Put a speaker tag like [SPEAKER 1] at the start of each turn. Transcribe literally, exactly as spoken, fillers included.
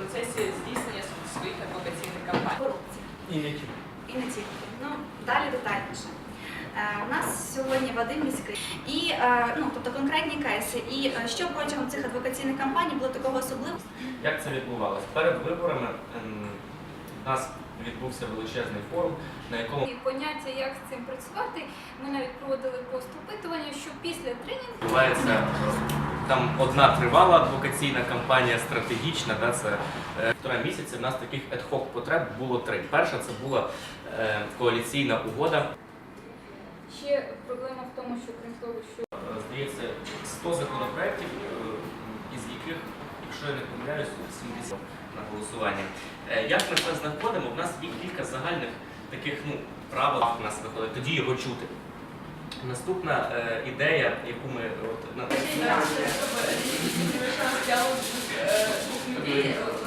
[SPEAKER 1] процесі здійснення своїх адвокаційних кампаній.
[SPEAKER 2] Корупція.
[SPEAKER 3] І не тільки.
[SPEAKER 2] І не тільки. Ну, далі детальніше. Е, У нас сьогодні Вадим Міський. І, е, ну, тобто конкретні кейси. І е, що протягом цих адвокаційних кампаній було такого особливого?
[SPEAKER 3] Як це відбувалося? Перед виборами ем, у нас відбувся величезний форум, на якому
[SPEAKER 4] І поняття, як з цим працювати, ми навіть проводили пост-опитування, що після тренінгу
[SPEAKER 3] відбувається там одна тривала адвокаційна кампанія, стратегічна, да, це е, півтора місяця. У нас таких ad-hoc потреб було три. Перша це була е, коаліційна угода.
[SPEAKER 4] ще проблема в тому, що крім того, що
[SPEAKER 3] Е, Здається, сто законопроєктів, е, із яких, якщо я не помиляюсь, сімдесят на голосування. Е, Як ми це знаходимо? У нас є кілька загальних таких ну, правил у нас виходить, тоді його чути. Наступна е, ідея, яку ми от, на
[SPEAKER 1] Діалог двох людей